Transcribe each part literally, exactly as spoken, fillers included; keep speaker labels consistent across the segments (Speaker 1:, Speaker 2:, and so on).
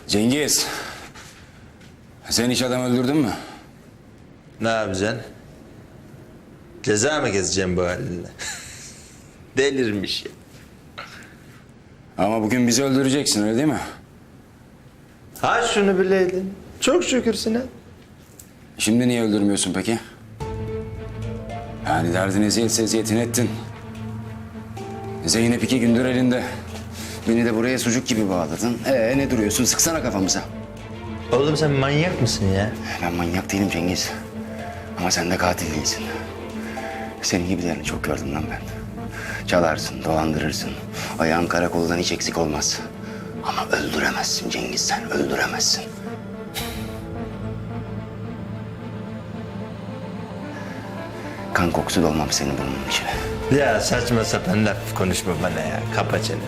Speaker 1: Cengiz. Sen hiç adam öldürdün mü?
Speaker 2: Ne yapacaksın? Ceza mı gezeceğim bu halinle? Delirmiş ya.
Speaker 1: Ama bugün bizi öldüreceksin, öyle değil mi?
Speaker 2: Ha şunu bileydin. Çok şükür Sinan.
Speaker 1: Şimdi niye öldürmüyorsun peki? Yani derdin eziyetse eziyetini ettin. Zeynep iki gündür elinde. Beni de buraya sucuk gibi bağladın. Ee ne duruyorsun? Sıksana kafamıza.
Speaker 2: Oğlum sen manyak mısın ya?
Speaker 1: Ben manyak değilim Cengiz. Ama sen de katil değilsin. Senin gibilerini çok gördüm lan ben. Çalarsın, dolandırırsın. Ayağın karakoldan hiç eksik olmaz. Ama öldüremezsin Cengiz, sen öldüremezsin. Kan kokusu dolmam senin burnunun içine.
Speaker 2: Ya saçma sapan laf konuşma bana ya. Kapa çeneni.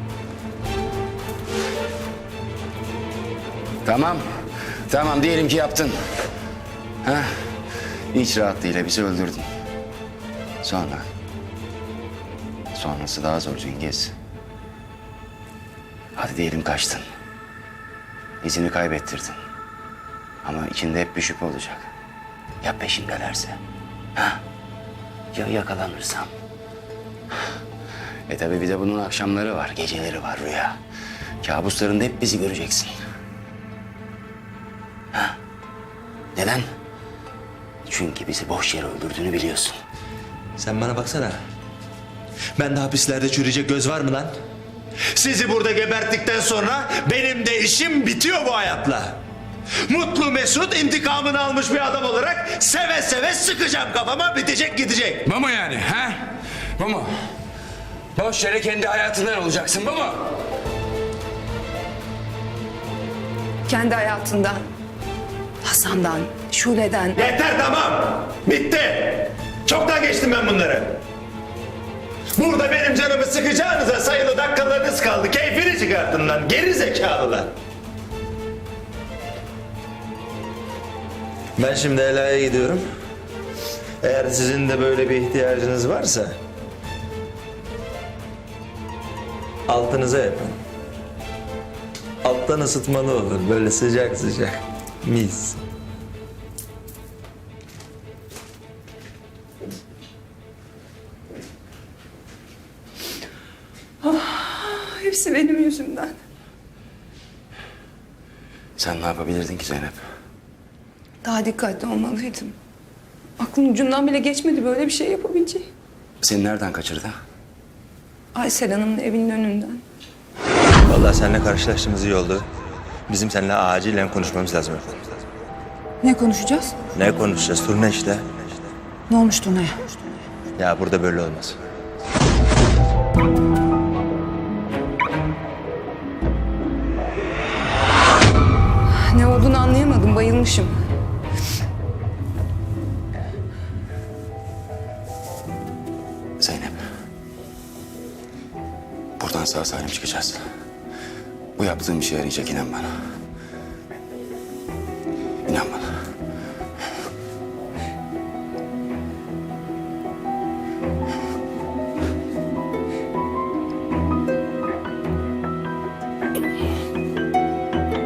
Speaker 1: Tamam, tamam diyelim ki yaptın. Ha? İç rahatlığıyla bizi öldürdün. Sonra? Sonrası daha zor Cengiz. Hadi diyelim kaçtın. İzini kaybettirdin. Ama içinde hep bir şüphe olacak. Ya peşimdelerse? Ha? Ya yakalanırsam? E tabii bir de bunun akşamları var, geceleri var Rüya. Kabuslarında hep bizi göreceksin. Ha? Neden? Çünkü bizi boş yere öldürdüğünü biliyorsun.
Speaker 2: Sen bana baksana. Ben de hapislerde çürüyecek göz var mı lan? Sizi burada geberttikten sonra benim de işim bitiyor bu hayatla. Mutlu Mesut intikamını almış bir adam olarak seve seve sıkacağım kafama, bitecek gidecek.
Speaker 1: Bu mu yani ha? Bu mu? Boş yere kendi hayatından olacaksın, bu mu?
Speaker 3: Kendi hayatından, Hasan'dan, Şule'den.
Speaker 2: Yeter tamam. Bitti. Çoktan geçtim ben bunları. Burada benim canımı sıkacağınıza sayılı dakikalarınız kaldı. Keyfini çıkartın lan. Geri zekalılar. Ben şimdi Ela'ya gidiyorum. Eğer sizin de böyle bir ihtiyacınız varsa altınıza yapın. Alttan ısıtmalı olur. Böyle sıcak sıcak. Mis.
Speaker 3: Hepsi benim yüzümden.
Speaker 1: Sen ne yapabilirdin ki Zeynep?
Speaker 3: Daha dikkatli olmalıydım. Aklın ucundan bile geçmedi böyle bir şey yapabileceği.
Speaker 1: Seni nereden kaçırdı?
Speaker 3: Aysel Hanım'ın evinin önünden.
Speaker 2: Vallahi seninle karşılaştığımız iyi oldu. Bizim seninle acilen konuşmamız lazım efendim.
Speaker 4: Ne konuşacağız?
Speaker 2: Ne konuşacağız? Turne işte.
Speaker 4: Ne olmuş Tuna'ya?
Speaker 2: Ya burada böyle olmaz.
Speaker 3: Ne olduğunu anlayamadım, bayılmışım.
Speaker 1: Zeynep. Buradan sağ salim çıkacağız. Bu yaptığım işe yarayacak, inan bana.